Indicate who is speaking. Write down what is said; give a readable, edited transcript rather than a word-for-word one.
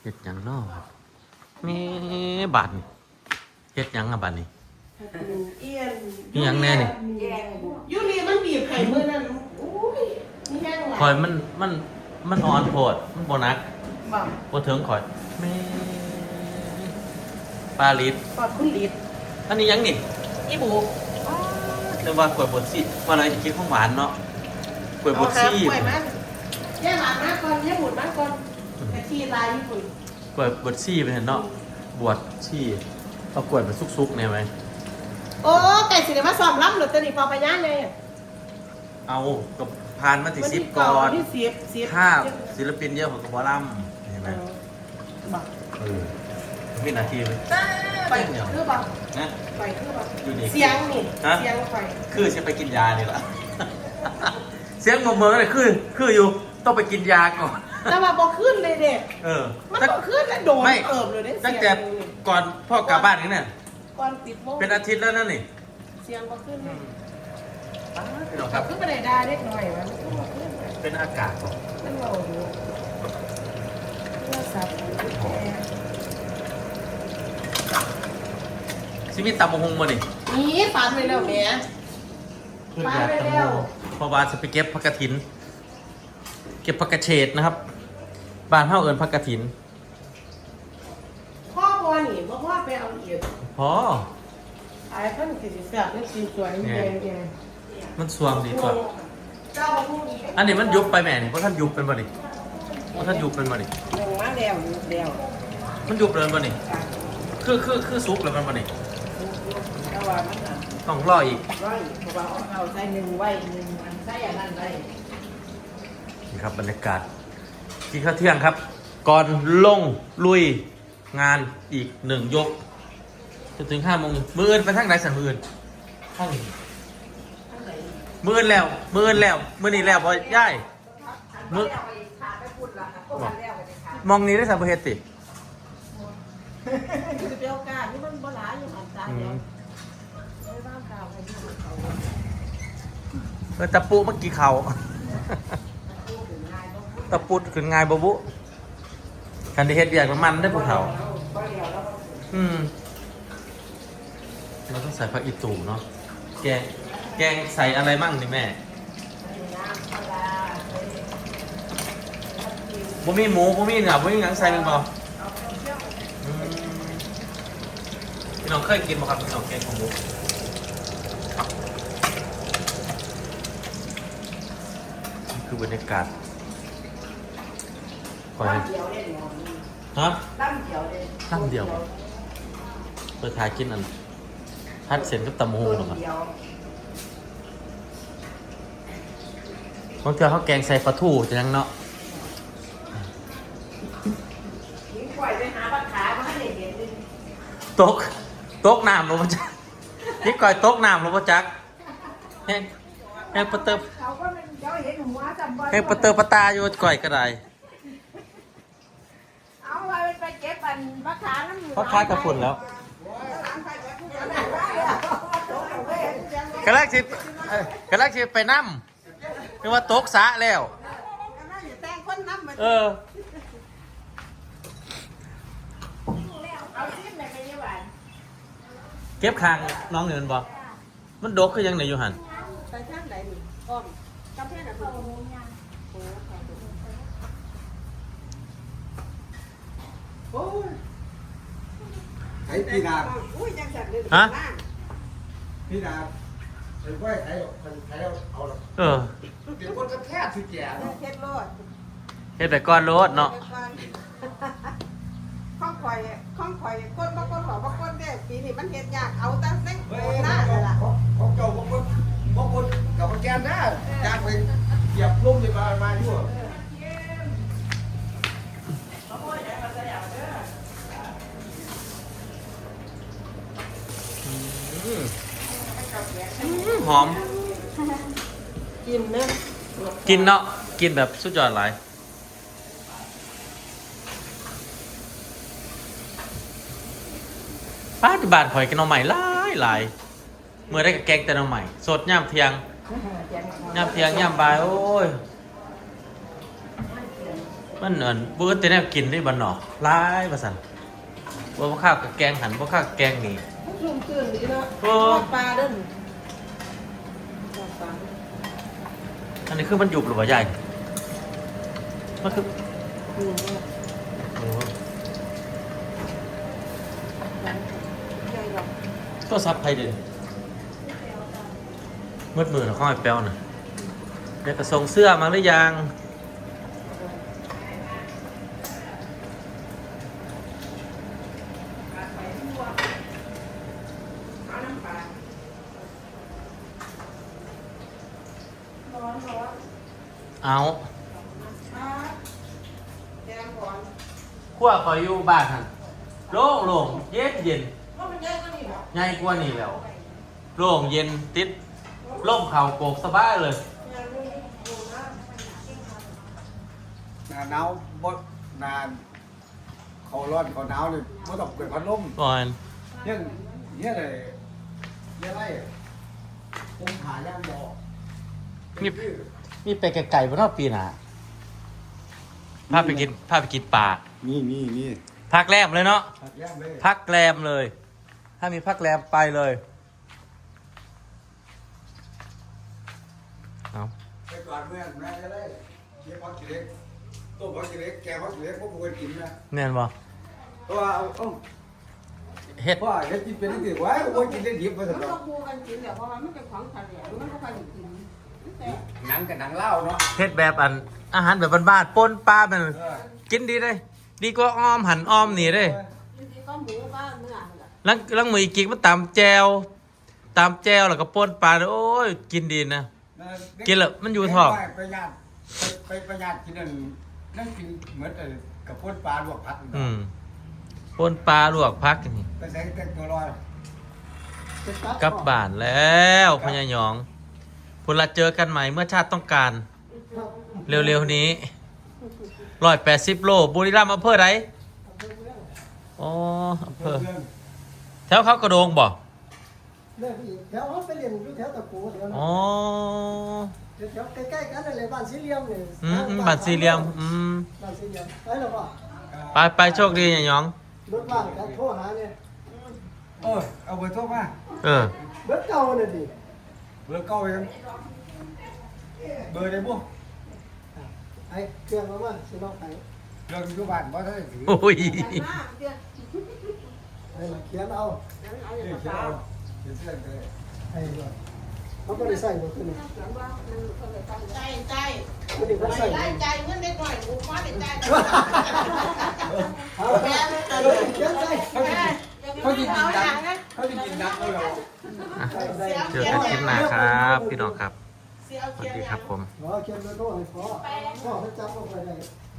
Speaker 1: เฮ็ดหยังน้อแม่บัดนี่เฮ็ดหยังอะบัดนี่
Speaker 2: เอียน
Speaker 1: มีหยังแน่นี่
Speaker 2: ยูรีมันบีบไข่มือนั่นโอ้ยนี่แห้งหวา
Speaker 1: คอยมันอ่อนโพดมันบ่หนัก
Speaker 2: บอก
Speaker 1: บ่ถึงคอยแม่ปลาลิด
Speaker 2: ปอดคุณลิด
Speaker 1: อันนี้หยังนี่
Speaker 2: อีบู
Speaker 1: เรียกว่ากล้วยบดซี่ว่าเราจะกินของหวานเนาะกล้วยบดซี่
Speaker 2: เอาหากล้วยมันแย่หวานมากก่อนแย่บุดมากก่อนกะทิลายญี่ปุ่น
Speaker 1: กล้วยบดซี่เป็นเห็นเนาะบวชซี่เอากล้วยมาซุกๆเนี่ยไหม
Speaker 2: โอ้ไก่สิเดี๋ยวมาซ้อมรับหรือตัวนี้พอไปย่านเลย
Speaker 1: เอากับพานมาติซิปก่อน
Speaker 2: ที่สิบ
Speaker 1: ถ้าศิลปินเยอะของกบอลัมเห็นไหม
Speaker 2: บอก
Speaker 1: วินาทีเลย
Speaker 2: ไปคือบอก
Speaker 1: นะ
Speaker 2: ไปคือบอก
Speaker 1: อยู่นี่
Speaker 2: เสียงนี่เสียงไป
Speaker 1: คือจะไปกินยานี่แหละ เสียงเมือเลยคืออยู่ต้องไปกินยาก่อน
Speaker 2: แต่ว่าบอกขึ้นเลยเด็ก
Speaker 1: เออ
Speaker 2: มันบอกขึ้นแล้วโดนเอิบเลยเด้
Speaker 1: ตั้งแต่ก่อนพ่อกลับบ้านนี่เนี่ย
Speaker 2: ก่อนปิดโมง
Speaker 1: เป็นอาทิตย์แล้วนั่นนี่
Speaker 2: เสียงบอกขึ้นเลย
Speaker 1: พี่น้องค
Speaker 2: กลั
Speaker 1: รั
Speaker 2: บบ ขึ้นไปไหนได้เล็กหน่อยมันก็บอกขึ้น
Speaker 1: เป็นอากาศ
Speaker 2: มันเราอยู่โทรศัพท์
Speaker 1: ชีวิตตำมงหงมาดิ
Speaker 2: นี่ฝันไปแล้วแม่ ไปแล้ว
Speaker 1: เพราะว่าจะไปเก็บผักกระถิน เก็บผักกระเฉดนะครับบ้านเฮาเอิญผักกระถิน
Speaker 2: พ่อพอนี่พ่อไปเอาเอียด
Speaker 1: พอ
Speaker 2: ไอ้เพิ่นคือสิแซ่บนี่สิสวยนี่แดง
Speaker 1: มันสวงดีกว่า
Speaker 2: เจ้าพวกนี้
Speaker 1: อันนี้มันยุบไปแม่นี่เพราะท่านยุบเป็นบ่ดิเพราะท่านยุบเป็นบ่ดิ
Speaker 2: ลงมาแล้วแล้ว
Speaker 1: มันยุบเลยบ่ดิคือซุกเลยมันบ่ดิ
Speaker 2: แต่ว่ามันน่ะ
Speaker 1: ต้องรออีก
Speaker 2: ร้อยเพราะว่าเอาใส่หนึ่งไว้หนึ่งอันใส่อันนั้นไว้
Speaker 1: นี่ครับบรรยากาศกินข้าวเที่ยงครับ ก่อนลงลุยงานอีกหนึ่งยกจนถึง5 โมงมื้ออื่นไปทางไหนสั่งมื้ออื่นห้องมื้ออื่นแล้วมื้ออื่นแล้วมื้อนี้แล้วพอย่ายมื้อมองนี้ได้สัมภเฮ็ดติ
Speaker 2: คือเดียวกันนี่มันบ่หลายอยู่หันตาเดียวไม่บ้างข่าวให้ดูเขา
Speaker 1: ตะปูเมื่อกี้เขาตะปูขึ้นง่ายบ่บุคันได้เฮ็ดเวียกมันได้พวกเขาเราต้องใส่ผักอีตูเนาะแกงใส่อะไรมั่งนี่แม่บ่มีหมูบ่มีเนื้อบ่มีหยังใส่แม่นบ่พี่น้องเคยกินบ่ครับพี่น้องแกงของหมูนี่คือบรรยากาศก่อน
Speaker 2: เดียวเล่น
Speaker 1: ฮะ
Speaker 2: ตั้งเดียวเลย
Speaker 1: ตั้งเดียวเปิดทายกินอันทัดเส้นกับตำมะฮุงหรอครับบางเทื่อเขาแกงใส่ปลาทูจะยังเนาะ
Speaker 2: นี่ปล่อยไปหาปลาขามาให้เห็นเลย
Speaker 1: ตกน้ำหรือเปล่าจ๊ะนี่ก่อยตกน้ำหรือเปล่าจ๊ะแห้งปลาเติบ
Speaker 2: เขาก็เป็นเจ้าเห็นหัวจำบ่อย
Speaker 1: แห้งปลาเติบปลาตาอยู่ก่อยก็ได้
Speaker 2: เอาไว้ไปเก็บอันปลาขาน้ำ
Speaker 1: เพราะค้ายกับฝุ่นแล้วกระแรกสิไปน้ำคือว่าตกสระแล้ว
Speaker 2: แต่งคนน้ำมา
Speaker 1: เออ
Speaker 2: เอาชิ้นไหนไปยี่หวาน
Speaker 1: เก็บคางน้องเงินบ่มันดกคือยังไหนอยู่หัน
Speaker 2: ไปทางไหนนี่อ้อมกำแพงน่ะคือโอ้ย
Speaker 3: ไอ้พี่ดาบ
Speaker 2: อุ้ยยังสั่นเลย
Speaker 1: ฮะ
Speaker 3: พี่ดาบไอ้ก้อยไอ้เอาละ
Speaker 1: เออ
Speaker 3: เดี๋ยวคนก็แค่สิแก่
Speaker 2: เฮ็ดโลด
Speaker 1: เฮ็ดแต่ก้อนโลดเนาะ
Speaker 2: ข้องข่อยคนบ่คนขอบ่คนเด้ปีนี้มันเฮ็ดยากเอาแต่เส้น
Speaker 3: เฮ้
Speaker 2: โค
Speaker 3: ย
Speaker 2: หน้าเลยล่ะ
Speaker 3: ของเจ้าบางคนกับแกนนะจ้างไปเหยียบลุ่มเลยมาอยู่
Speaker 1: หอม
Speaker 2: กินเด้อ
Speaker 1: กินเนาะ กินแบบสุดยอดหลายป้าที่บ้านข่อยกินหน่อใหม่หลายเมื่อได้กับแกงแต่หน่อใหม่ สดย่ำเทียงย่ำบ่าย โอ้ยมันบ่แต่แนวกินได้บ่เนาะหลายว่าซั่นบ่ข้าวกับแกงหันบ่ข้าวกับแกงนี่
Speaker 2: ชุ่มชื่นดีเนาะ
Speaker 1: โอ้
Speaker 2: ทอดปลาเด้นทอดปลา
Speaker 1: อันนี้คือมันยุบหรือบ่ใหญ่มันคือ
Speaker 2: อืม
Speaker 1: โอ้
Speaker 2: ใหญ่ดอก
Speaker 1: ก็ซับไผเด้มืดมือน่ะข้อยแป้วน่ะเดี๋ยวก็ส่งเสื้อมาหรือยัง
Speaker 2: เอาน้ำปลาร้อน
Speaker 1: เอา
Speaker 2: แกงก่อน
Speaker 1: ขั้วคอยอยู่บ้านหั่นโล่งๆเย็น
Speaker 2: ว่ามันใหญ่กว่านี้บ่
Speaker 1: ๆใหญ่กว่านี่แล้วโล่งเย็นติดร่มเข่าโกกสบายเลย
Speaker 2: ใหญ่กว่านี้อยู่นะ
Speaker 3: หน้าหนาวบ่หน้าเขาร้อนเขาหนาวนี่บ่ต้องเปิดพัดลม
Speaker 1: ก่อน
Speaker 3: เนี่ยเลยเนี่ยไรผมหาย่างบ่
Speaker 1: มีไปไกลๆบ่เนอกปีหน้าพาไปกินปลา
Speaker 3: นี่
Speaker 1: พักแรมเลยเนาะ
Speaker 3: ผักย่างเลย
Speaker 1: พักแรมเลย ถ้ามีพักแรมไปเลยเอา
Speaker 3: ไปก่อนเมื่อนแม่จะได้เก็บผักขี้เหล็กต้มผักขี้เหล็กแกงผักขี้เหล็กพวกกูเคยกินนะ
Speaker 1: แน่นบ่
Speaker 3: เพราะว่าเอา
Speaker 1: เฮ็ด
Speaker 3: เพราะว่าเฮ็ดกินเป็นที่ไว้กูกินได้ดิบไปสั
Speaker 2: มัน
Speaker 3: ก
Speaker 2: ก็คู่กันกินแหละเพราะว่ามันเป็นของทะเลมันก็ค่อยกินแต่
Speaker 3: หนังกับหนังเล่าเนาะ
Speaker 1: เฮ็ดแบบอาหารแบบบ้านๆป่นปลามันกินดีเลยดีกว่าอ้อมหันอ้อมนี่เด้
Speaker 2: จริงๆก็หมูบ้านเนื้อนั่นแหละ
Speaker 1: ลังมืออีกกิกมันตำแจวแล้วก็ป่นปลาโอ้ยกินดีนะ กินแล้วมันอยู่ท้อง
Speaker 3: ไปญาติไปประหยัดกินนั่นกินเหมือนกับพ่นปลาลวกผัด
Speaker 1: ป่นปลาลวกพักนี่
Speaker 3: ไปใส่แต่ตัวลอย
Speaker 1: กลับบ้านแล้วพญายองพวกเราเจอกันใหม่เมื่อชาติต้องการ เร็วๆนี้180 โลบุรีรัมย์อำเภอไหนอ๋ออำเภอแถวเขากระโดงบ่
Speaker 4: เนี่ยพี่แถวเขาไปเรียนอยู่แถวตะกูแถวนั้น
Speaker 1: อ๋อ
Speaker 4: แถวใกล้ๆกันนั่นแหละบ้านสี่เหลี่ยมเนี่ย
Speaker 1: บ้านสี่เหลี่ยม
Speaker 4: บ้านสี่เหลี่ยมไปแล้วป่ะ
Speaker 1: ไปโชคดีอย่ายอง
Speaker 4: รถบ้านกันโทรหาเนี่ย
Speaker 3: โอ้ยเอาเบอร์โทรมา
Speaker 1: เออ
Speaker 4: เบิดเก่าเนี่ยดิ
Speaker 3: เบอร์เก้าไปกันเบอร์ได้บ่
Speaker 4: ไอ้เครื่องมาสิน้องไป
Speaker 3: เรื่องอยู่บ้านบ่ได้ถือ
Speaker 1: โอ้ย
Speaker 2: ใหญ่มากเดี๋ยว
Speaker 4: ไอ้เขียนเอา
Speaker 2: นั้นเอาอย่าง
Speaker 3: เขียน
Speaker 2: เปล่า
Speaker 3: เอาเขียนเสื้อเลย
Speaker 4: ไอ้ด้วยเขาก็ได้ใส่หมดตัวนี้
Speaker 2: เขียนว่ามันก็เลยตั้งใจ
Speaker 4: ตัวนี้เขาใส่
Speaker 2: ได้ใจเงินได้หน่อยกูฟ้าได้ใจ
Speaker 4: เอาไปเขียนใส่
Speaker 3: เขาจะกินดังเขาจะกินดังเอาเรา
Speaker 1: เจอกันคลิปหน้าครับ พี่น้องครับ
Speaker 2: เสียเอา
Speaker 1: สวั
Speaker 2: เขี
Speaker 1: ส
Speaker 2: ยน
Speaker 1: ดี
Speaker 2: อ
Speaker 1: ครั
Speaker 2: ย่า
Speaker 1: บ
Speaker 2: ง
Speaker 1: ผม
Speaker 4: ขอเขียนเบอร์โทรให้พ่อเขาจำเอาไปได้